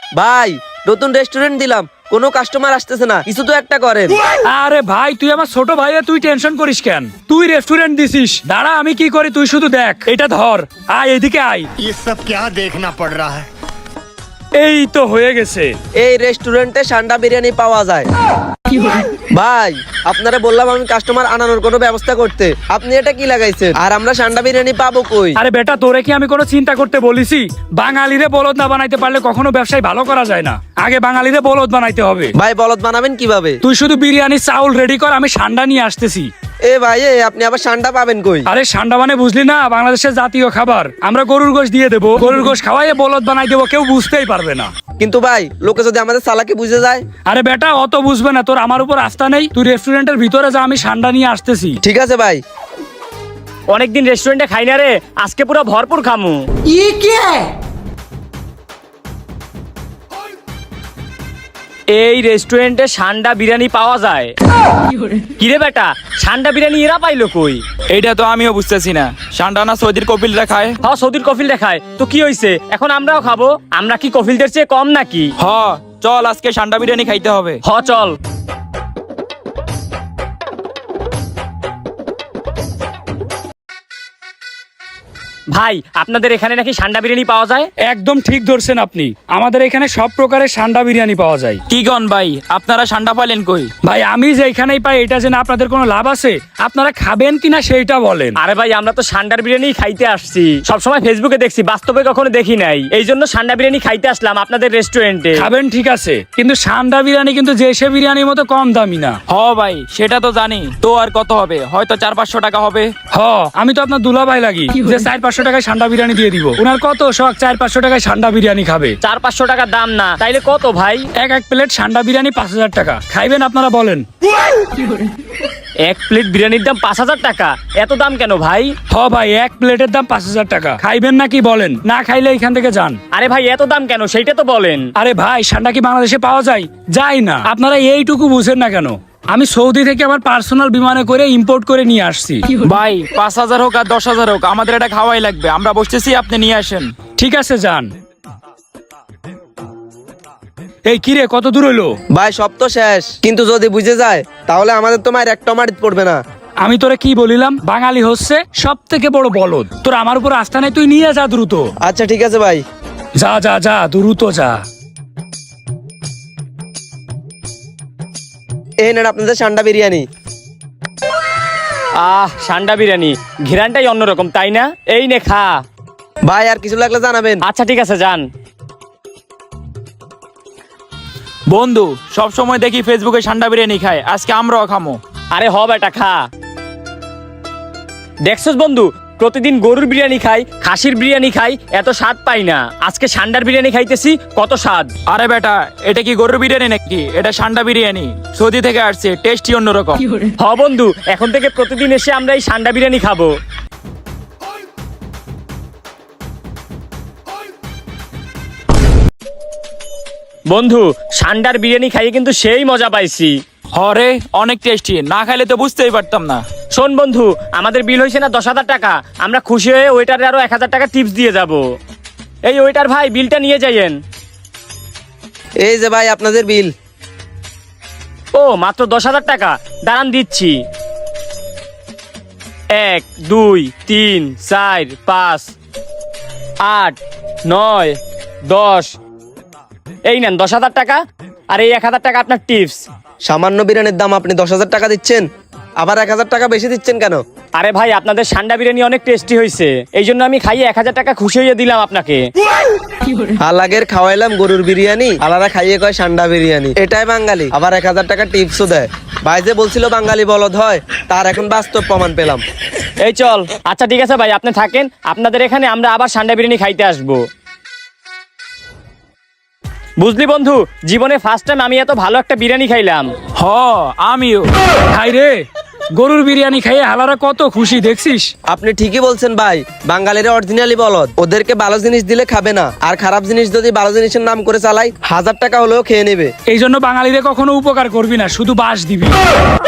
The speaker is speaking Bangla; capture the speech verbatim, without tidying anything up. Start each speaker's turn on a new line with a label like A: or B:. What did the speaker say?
A: ভাই নতুন রেস্টুরেন্ট দিলাম, কোনো কাস্টমার আসতেছে না, কিছু তো একটা করেন।
B: আরে ভাই তুই আমার ছোট ভাই, তুই টেনশন করিস কেন? তুই রেস্টুরেন্ট দিছিস, দাঁড়া আমি কি করি তুই শুধু দেখ। এটা ধর, আয় এদিকে আয়।
C: ये सब क्या देखना पड़ रहा है।
B: এই তো হয়ে গেছে।
A: এই রেস্টুরেন্টে সান্ডা বিরিয়ানি পাওয়া যায়। ভাই আপনারা বললাম আমি কাস্টমার আনানোর কোনো ব্যবস্থা করতে, আপনি এটা কি লাগাইছেন? আর আমরা সান্ডা বিরিয়ানি পাবো কই?
B: আরে বেটা তোরে কি আমি কোনো চিন্তা করতে বলিছি? বাঙালিরে বলদ না বানাইতে পারলে কখনো ব্যবসায় ভালো করা যায় না। আগে বাঙালিরে বলদ বানাইতে হবে।
A: ভাই বলদ বানাবেন কিভাবে?
B: তুই শুধু বিরিয়ানি চাউল রেডি কর, আমি সান্ডা নিয়ে আসতেছি।
A: এ ভাই এ আপনি আবার সান্ডা পাবেন কই?
B: আরে সান্ডা মানে বুঝলি না, বাংলাদেশের জাতীয় খাবার। আমরা গরুর গোশ দিয়ে দেবো, গরুর গোশ খাওয়াইয়ে বলদ বানাই দেবো, কেউ বুঝতেই পারবে না।
A: কিন্তু ভাই লোকে যদি আমাদের চালাকি বুঝে যায়?
B: আরে বেটা অত বুঝবে না, তোর আমার উপর আস্থা নেই। তুই রেস্টুরেন্টের ভিতরে যা, আমি সান্ডা নিয়ে আসতেছি।
A: ঠিক আছে ভাই।
D: অনেকদিন রেস্টুরেন্টে খাই না রে, আজকে পুরো ভরপুর খামু। এই রেস্টুরেন্টে সান্ডা বিরিয়ানি পাওয়া যায়। কিরে বেটা, সান্ডা বিরিয়ানি এরা পাইলো কই?
E: এইটা তো আমিও বুঝতেছি না। সান্ডানা সৌদির কপিলরা খায়।
D: হ্যাঁ সৌদির কফিল দেখায় তো কি হইছে, এখন আমরাও খাবো। আমরা কি কফিলদের চেয়ে কম নাকি?
E: হ চল আজকে সান্ডা বিরিয়ানি খাইতে হবে।
D: হ চল। ভাই আপনাদের এখানে নাকি সান্ডা বিরিয়ানি পাওয়া যায়?
B: একদম ঠিক ধরছেন আপনি, আমাদের এখানে সব প্রকারের সান্ডা বিরিয়ানি পাওয়া যায়।
E: কি গন ভাই, আপনারা সান্ডা পাইলেন কই?
B: ভাই আমি যেখানেই পাই এটা জেনে আপনাদের কোনো লাভ আছে? আপনারা খাবেন কিনা সেইটা বলেন।
D: আরে ভাই আমরা তো সান্ডার বিরিয়ানি খাইতে আসছি, সবসময় ফেসবুকে দেখছি, বাস্তবে কখনো দেখি নাই। এই জন্য সান্ডা বিরিয়ানি খাইতে আসলাম আপনাদের রেস্টুরেন্টে।
B: খাবেন ঠিক আছে, কিন্তু সান্ডা বিরিয়ানি কিন্তু যে সে বিরিয়ানির মতো কম দামি না।
E: হ ভাই সেটা তো জানি, তো আর কত হবে? হয়তো চার পাঁচশো টাকা হবে।
B: হ আমি তো আপনার দুলা ভাই লাগি যে চার পাঁচশো টাকায় সান্ডা বিরিয়ানি দিয়ে দিব। ওনার কত শখ চার পাঁচশো টাকায় সান্ডা বিরিয়ানি খাবে।
D: চার পাঁচশো টাকা দাম না, তাইলে কত ভাই?
B: এক এক প্লেট সান্ডা বিরিয়ানি পাঁচ হাজার টাকা। খাইবেন আপনারা বলেন?
D: এক প্লেট বিরিয়ানির দাম পাঁচ হাজার টাকা? এত দাম কেন ভাই?
B: হ ভাই এক প্লেটের দাম পাঁচ হাজার টাকা। খাইবেন নাকি বলেন? না খাইলে এখান থেকে যান।
D: আরে ভাই এত দাম কেন সেইটা তো বলেন।
B: আরে ভাই সান্ডা কি বাংলাদেশে পাওয়া যায়? যায় না। আপনারা এইটুকু বুঝেন না কেন? আমি সৌদি থেকে আমার পার্সোনাল বিমানে করে ইম্পোর্ট করে নিয়ে আসছি।
E: ভাই পাঁচ হাজার হোক আর দশ হাজার হোক, আমাদের এটা খাওয়াই লাগবে। আমরা বসতেছি, আপনি নিয়ে আসেন।
B: ঠিক আছে যান। এই কিরে কত দূর হইলো?
A: ভাই সব তো শেষ, কিন্তু যদি বুঝে যায় তাহলে আমাদের তো মায়ের একটা মারিত পড়বে না।
B: আমি তোরে কি বলিলাম, বাঙালি হচ্ছে সব থেকে বড় বলদ। তোর আমার উপর আস্থা নেই, তুই নিয়ে যা দ্রুত।
A: আচ্ছা ঠিক আছে ভাই।
B: যা যা যা দ্রুত যা।
A: এই নেন আপনাদের সান্ডা বিরিয়ানি।
D: আহ সান্ডা বিরিয়ানি ঘিরানটাই অন্যরকম তাই না? এই নে খা।
A: ভাই আর কিছু লাগলে জানাবেন।
D: আচ্ছা ঠিক আছে যান।
E: বন্ধু সব সময় দেখি ফেসবুকে সান্ডা বিরিয়ানি খায়, আজকে আমরাও খামো।
D: আরে হ বেটা খা। দেখছস বন্ধু, প্রতিদিন গরুর বিরিয়ানি খাই, খাসির বিরিয়ানি খাই, এত স্বাদ পাই না। আজকে সান্ডার বিরিয়ানি খাইতেছি, কত স্বাদ।
E: আরে বেটা এটা কি গরুর বিরিয়ানি নাকি? এটা সান্ডা বিরিয়ানি, সৌদি থেকে আসছে, টেস্টই অন্যরকম।
D: হ বন্ধু এখন থেকে প্রতিদিন এসে আমরা এই সান্ডা বিরিয়ানি খাবো। বন্ধু সান্ডার বিরিয়ানি খাইয়ে কিন্তু সেই মজা পাইছি।
E: হরে অনেক টেস্টি, না খাইলে তো বুঝতেই পারতাম না।
D: শোন বন্ধু, আমাদের বিল হয়েছে না দশ হাজার টাকা, আমরা খুশি হয়ে ওয়েটারে আরো এক হাজার টাকা টিপস দিয়ে যাব। এই ওয়েটার ভাই বিলটা নিয়ে যাইয়েন।
A: এই যে ভাই আপনাদের বিল।
D: ও মাত্র দশ হাজার টাকা, দাঁড়ান দিচ্ছি। এক দুই তিন চার পাঁচ আট নয় দশ, এই নেন দশ হাজার টাকা, আর এই এক হাজার টাকা আপনার টিপস।
A: সামান্য বিরিয়ানির দাম আপনি দশ হাজার টাকা দিচ্ছেন, আবার এক হাজার টাকা বেশি দিচ্ছেন কেন?
D: আরে ভাই আপনাদের সান্ডা বিরিয়ানি অনেক টেস্টি হয়েছে, এই জন্য আমি খাইয়ে এক হাজার টাকা খুশি হয়ে দিলাম আপনাকে।
A: হালাগের খাওয়াইলাম গরুর বিরিয়ানি, আলাদা খাইয়ে কয় সান্ডা বিরিয়ানি। এটাই বাঙালি, আবার এক হাজার টাকা টিপসও দেয়। ভাই যে বলছিল বাঙালি বলদ হয়, তার এখন বাস্তব প্রমাণ পেলাম।
D: এই চল। আচ্ছা ঠিক আছে ভাই আপনি থাকেন, আপনাদের এখানে আমরা আবার সান্ডা বিরিয়ানি খাইতে আসবো। বুঝলি বন্ধু, জীবনে ফার্স্ট টাইম আমি এত ভালো একটা বিরিয়ানি খাইলাম।
E: হ আমিও।
B: খাই রে, গরুর বিরিয়ানি খাইয়ে হালারা কত খুশি দেখছিস?
A: আপনি ঠিকই বলছেন ভাই, বাঙালিরা অরিজিনালি বলদ। ওদেরকে ভালো জিনিস দিলে খাবে না, আর খারাপ জিনিস যদি ভালো জিনিসের নাম করে চালাই হাজার টাকা হলেও খেয়ে নেবে।
B: এই জন্য বাঙালিরে কখনো উপকার করবি না, শুধু বাস দিবি।